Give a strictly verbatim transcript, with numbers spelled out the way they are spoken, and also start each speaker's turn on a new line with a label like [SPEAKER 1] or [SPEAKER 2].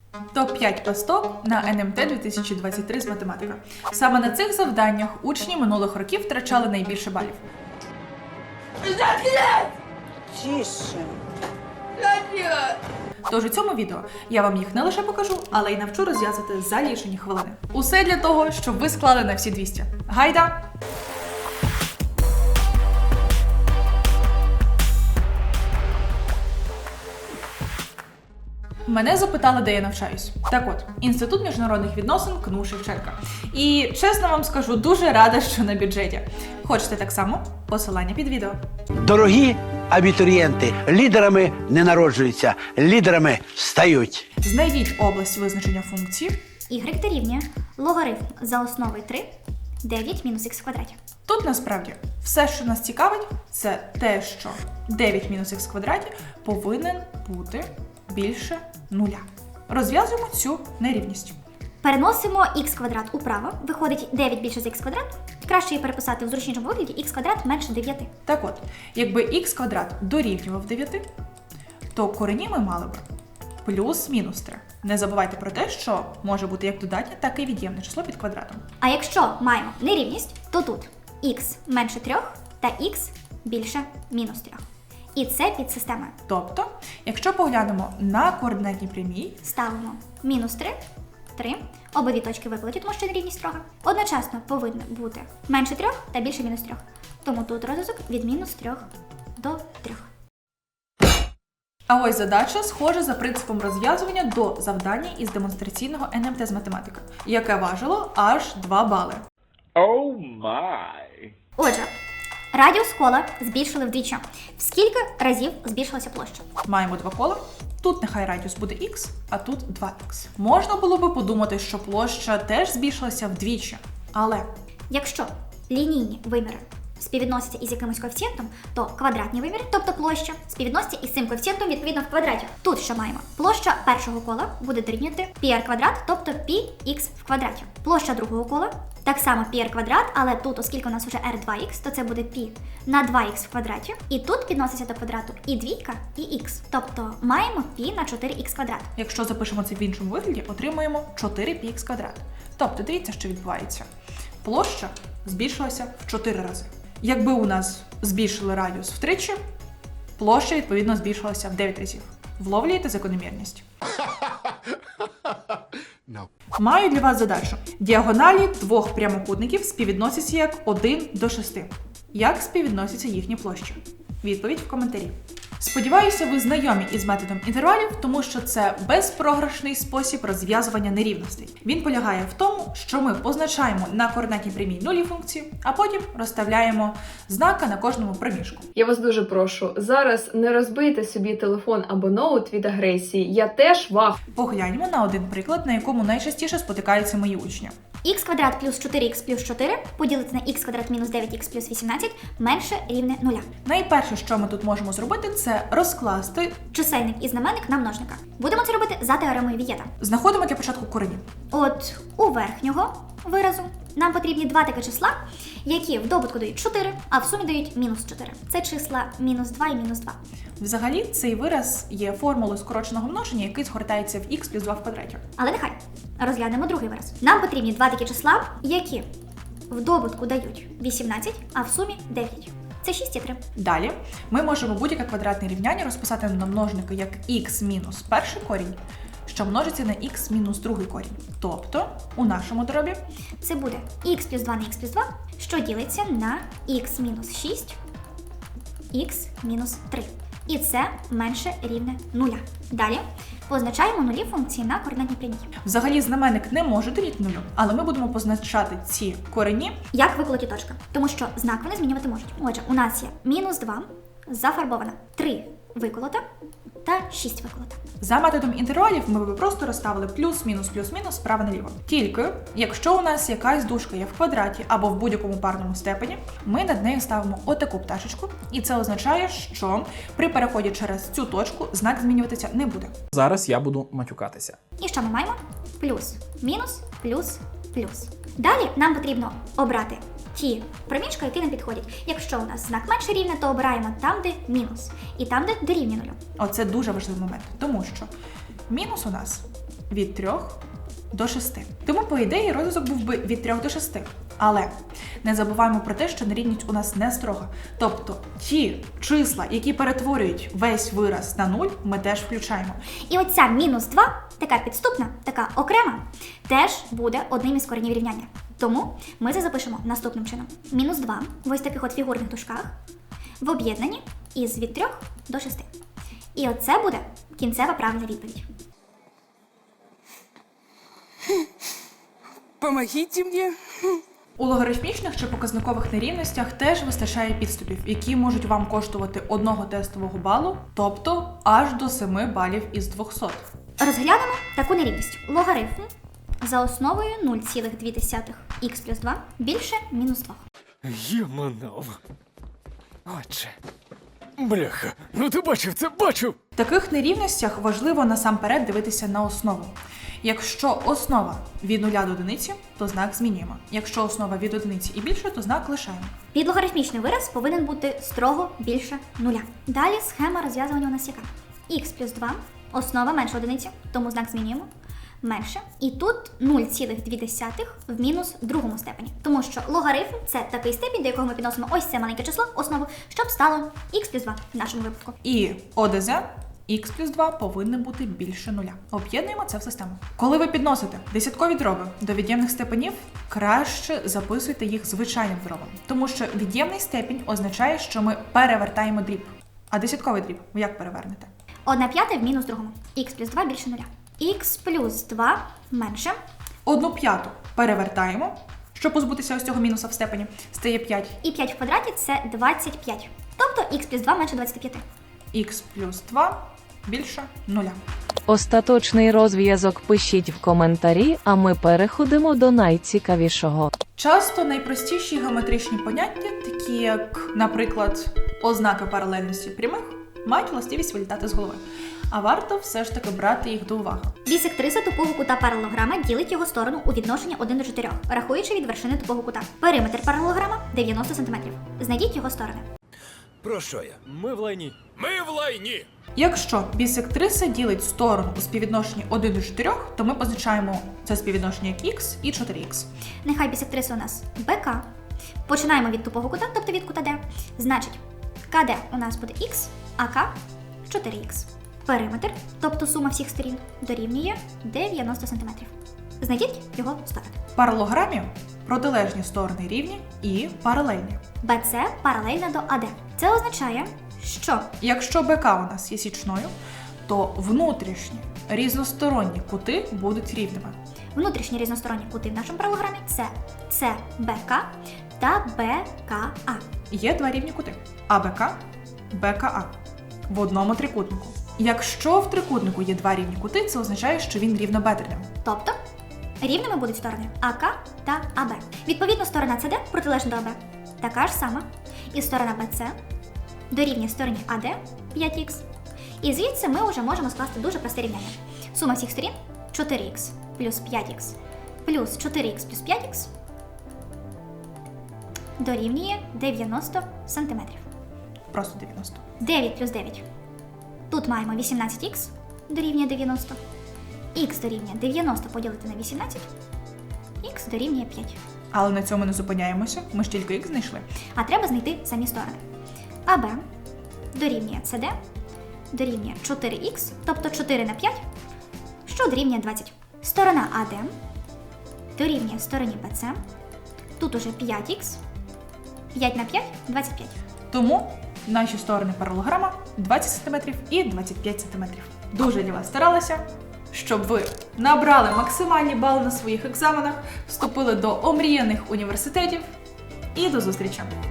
[SPEAKER 1] топ п'ять пасток на ен ем те дві тисячі двадцять три з математики. Саме на цих завданнях учні минулих років втрачали найбільше балів.
[SPEAKER 2] Тише.
[SPEAKER 1] Тож у цьому відео я вам їх не лише покажу, але й навчу розв'язати за лічені хвилини. Усе для того, щоб ви склали на всі двісті. Гайда! Мене запитали, де я навчаюсь. Так от, Інститут міжнародних відносин КНУ Шевченка. І, чесно вам скажу, дуже рада, що на бюджеті. Хочете так само? Посилання під відео.
[SPEAKER 3] Дорогі абітурієнти, лідерами не народжуються, лідерами стають.
[SPEAKER 1] Знайдіть область визначення функції.
[SPEAKER 4] Y дорівнює логарифм за основою три, дев'ять мінус х в квадраті.
[SPEAKER 1] Тут насправді все, що нас цікавить, це те, що дев'ять мінус х в квадраті повинен бути більше нуля. Розв'язуємо цю нерівність.
[SPEAKER 4] Переносимо х квадрат управо, виходить дев'ять більше за х квадрат. Краще її переписати в зручнішому вигляді х квадрат менше дев'яти.
[SPEAKER 1] Так от, якби х квадрат дорівнював дев'яти, то корені ми мали б плюс-мінус три. Не забувайте про те, що може бути як додатнє, так і від'ємне число під квадратом.
[SPEAKER 4] А якщо маємо нерівність, то тут х менше трьох та х більше мінус трьох. І це під системою.
[SPEAKER 1] Тобто, якщо поглянемо на координатній прямій,
[SPEAKER 4] Ставимо мінус три, три, обидві точки викладені, тому що нерівність трьох. Одночасно повинно бути менше трьох та більше мінус трьох. Тому тут розв'язок від мінус трьох до трьох.
[SPEAKER 1] а ось задача схожа за принципом розв'язування до завдання із демонстраційного ен ем те з математики, яке важило аж два бали.
[SPEAKER 5] Oh my.
[SPEAKER 4] Отже, радіус кола збільшили вдвічі. В скільки разів збільшилася площа?
[SPEAKER 1] Маємо два кола. Тут нехай радіус буде х, а тут два х. Можна було би подумати, що площа теж збільшилася вдвічі. Але
[SPEAKER 4] Якщо лінійні виміри співвідносяться із якимось коефіцієнтом, то квадратні виміри, тобто площа, співвідносяться із цим коефіцієнтом відповідно в квадраті. Тут що маємо? Площа першого кола буде дорівнювати πr квадрат, тобто πx в квадраті. Площа другого кола так само πr квадрат, але тут, оскільки у нас вже р два х, то це буде π на два х в квадраті. І тут підноситься до квадрату і двійка, і х. Тобто маємо π на чотири х квадрат.
[SPEAKER 1] якщо запишемо це в іншому вигляді, отримуємо чотири пі ікс квадрат. Тобто, дивіться, що відбувається. Площа збільшилася в чотири рази. Якби у нас збільшили радіус втричі, площа, відповідно, збільшилася в дев'ять разів. Вловлюєте закономірність? Маю для вас задачу. Діагоналі двох прямокутників співвідносяться як один до шести. Як співвідносяться їхні площі? Відповідь в коментарі. Сподіваюся, ви знайомі із методом інтервалів, тому що це безпрограшний спосіб розв'язування нерівностей. Він полягає в тому, що ми позначаємо на координатній прямій нулі функції, а потім розставляємо знака на кожному проміжку.
[SPEAKER 6] Я вас дуже прошу, зараз не розбийте собі телефон або ноут від агресії. Я теж вах.
[SPEAKER 1] Погляньмо на один приклад, на якому найчастіше спотикаються мої учні.
[SPEAKER 4] Х квадрат плюс чотири х плюс чотири поділити на х квадрат мінус дев'ять х плюс вісімнадцять менше рівне нуля.
[SPEAKER 1] Найперше, що ми тут можемо зробити, це розкласти.
[SPEAKER 4] Чисельник і знаменник на множника. Будемо це робити за теоремою Вієта.
[SPEAKER 1] Знаходимо для початку корені.
[SPEAKER 4] От у верхнього виразу нам потрібні два такі числа, які в добутку дають чотири, а в сумі дають мінус чотири. Це числа мінус два і мінус два.
[SPEAKER 1] Взагалі, цей вираз є формулою скороченого множення, який згортається в х плюс два в квадраті.
[SPEAKER 4] Але нехай. Розглянемо другий вираз. Нам потрібні два такі числа, які в добутку дають вісімнадцять, а в сумі дев'ять. Це шість і три.
[SPEAKER 1] Далі ми можемо будь-яке квадратне рівняння розписати на множники як х мінус перший корінь, що множиться на х мінус другий корінь. Тобто, у нашому дробі
[SPEAKER 4] Це буде х плюс два на х плюс два, що ділиться на х мінус шість, х мінус три. І це менше рівне нуля. Далі позначаємо нулі функції на координатній прямій.
[SPEAKER 1] взагалі знаменник не може дорівнювати нулю, але ми будемо позначати ці корені.
[SPEAKER 4] Як виколоті точка, тому що знак вони змінювати можуть. Отже, у нас є мінус два, зафарбована, три виколота та шість виколота.
[SPEAKER 1] За методом інтервалів ми б просто розставили плюс-мінус, плюс-мінус справа наліво. Тільки, якщо у нас якась дужка є в квадраті або в будь-якому парному степені, ми над нею ставимо отаку пташечку, і це означає, що при переході через цю точку знак змінюватися не буде.
[SPEAKER 7] Зараз я буду матюкатися.
[SPEAKER 4] І що ми маємо? Плюс, мінус, плюс, плюс. Далі нам потрібно обрати ті проміжки, які нам підходять. Якщо у нас знак менше рівня, то обираємо там, де мінус, і там, де дорівнює нулю.
[SPEAKER 1] Оце дуже важливий момент, тому що мінус у нас від трьох до шести. Тому, по ідеї, розв'язок був би від трьох до шести. Але не забуваємо про те, що нерівність у нас не строга. Тобто ті числа, які перетворюють весь вираз на нуль, ми теж включаємо.
[SPEAKER 4] І оця мінус два, така підступна, така окрема, теж буде одним із коренів рівняння. Тому ми це запишемо наступним чином. Мінус два в ось таких от фігурних дужках в об'єднанні із від трьох до шести. І оце буде кінцева правильна відповідь.
[SPEAKER 8] Помогите мне.
[SPEAKER 1] У логарифмічних чи показникових нерівностях теж вистачає підступів, які можуть вам коштувати одного тестового балу, тобто аж до семи балів із двохсот.
[SPEAKER 4] Розглянемо таку нерівність. Логарифм за основою нуль цілих дві десятих х плюс два більше мінус два.
[SPEAKER 8] Єманов. Отже. Бляха, ну ти бачив це, бачив!
[SPEAKER 1] В таких нерівностях важливо насамперед дивитися на основу. Якщо основа від нуля до одиниці, то знак змінюємо. Якщо основа від одиниці і більше, то знак лишаємо.
[SPEAKER 4] Підлогарифмічний вираз повинен бути строго більше нуля. Далі схема розв'язування у нас яка? Х плюс два, основа менше одиниці, тому знак змінюємо. Менше. І тут нуль цілих дві десятих в мінус другому степені. Тому що логарифм – це такий степінь, до якого ми підносимо ось це маленьке число, основу, щоб стало х плюс два в нашому випадку.
[SPEAKER 1] І ОДЗ х плюс два повинно бути більше нуля. Об'єднуємо це в систему. Коли ви підносите десяткові дроби до від'ємних степенів, краще записуйте їх звичайним дробом. Тому що від'ємний степінь означає, що ми перевертаємо дріб. А десятковий дріб ви як перевернете?
[SPEAKER 4] одна п'ята в мінус другому. Х плюс два більше нуля. Х плюс два менше.
[SPEAKER 1] Одну п'яту перевертаємо, щоб позбутися ось цього мінуса в степені, стає п'ять.
[SPEAKER 4] І п'ять в квадраті – це двадцять п'ять. Тобто х плюс два менше двадцяти п'яти.
[SPEAKER 1] Х плюс два більше нуля.
[SPEAKER 9] Остаточний розв'язок пишіть в коментарі, а ми переходимо до найцікавішого.
[SPEAKER 1] Часто найпростіші геометричні поняття, такі як, наприклад, ознаки паралельності прямих, мають властивість вилітати з голови. А варто все ж таки брати їх до уваги.
[SPEAKER 4] Бісектриса тупого кута паралелограма ділить його сторону у відношенні один до чотирьох, рахуючи від вершини тупого кута. Периметр паралелограма – дев'яносто сантиметрів. Знайдіть його сторони.
[SPEAKER 8] Про що я? Ми в лайні. Ми в лайні!
[SPEAKER 1] Якщо бісектриса ділить сторону у співвідношенні один до чотирьох, то ми позначаємо це співвідношення як х і чотири х.
[SPEAKER 4] Нехай бісектриса у нас бе ка. Починаємо від тупого кута, тобто від кута Д. Значить, ка де у нас буде х, а К – чотири х. Периметр, тобто сума всіх сторін, дорівнює дев'яносто сантиметрів. Знайдіть його сторони.
[SPEAKER 1] В паралелограмі протилежні сторони рівні і паралельні.
[SPEAKER 4] бе це паралельна до а де. Це означає, що
[SPEAKER 1] Якщо БК у нас є січною, то внутрішні різносторонні кути будуть рівними.
[SPEAKER 4] внутрішні різносторонні кути в нашому паралелограмі – це це бе ка та бе ка а.
[SPEAKER 1] Є два рівні кути – АБК, БКА в одному трикутнику. Якщо в трикутнику є два рівні кути, це означає, що він рівнобедреним.
[SPEAKER 4] Тобто, рівними будуть сторони а ка та а бе. Відповідно, сторона це де протилежна до а бе. Така ж сама. І сторона бе це дорівнює стороні а де п'ять х. І звідси ми вже можемо скласти дуже просте рівняння. Сума всіх сторін чотири х плюс п'ять х плюс чотири х плюс п'ять х дорівнює дев'яносто сантиметрів.
[SPEAKER 1] Просто дев'яносто.
[SPEAKER 4] дев'ять плюс дев'ять. Тут маємо вісімнадцять х дорівнює дев'яносто. Х дорівнює дев'яносто поділити на вісімнадцять. Х дорівнює п'ять.
[SPEAKER 1] Але на цьому не зупиняємося, ми ж тільки х знайшли.
[SPEAKER 4] А треба знайти самі сторони. а бе дорівнює це де дорівнює чотири х, тобто чотири на п'ять, що дорівнює двадцять. Сторона а де дорівнює стороні бе це. Тут уже п'ять х. п'ять на п'ять – двадцять п'ять.
[SPEAKER 1] Тому наші сторони паралелограма двадцять сантиметрів і двадцять п'ять сантиметрів. Дуже для вас старалася, щоб ви набрали максимальні бали на своїх екзаменах, вступили до омріяних університетів і до зустрічі!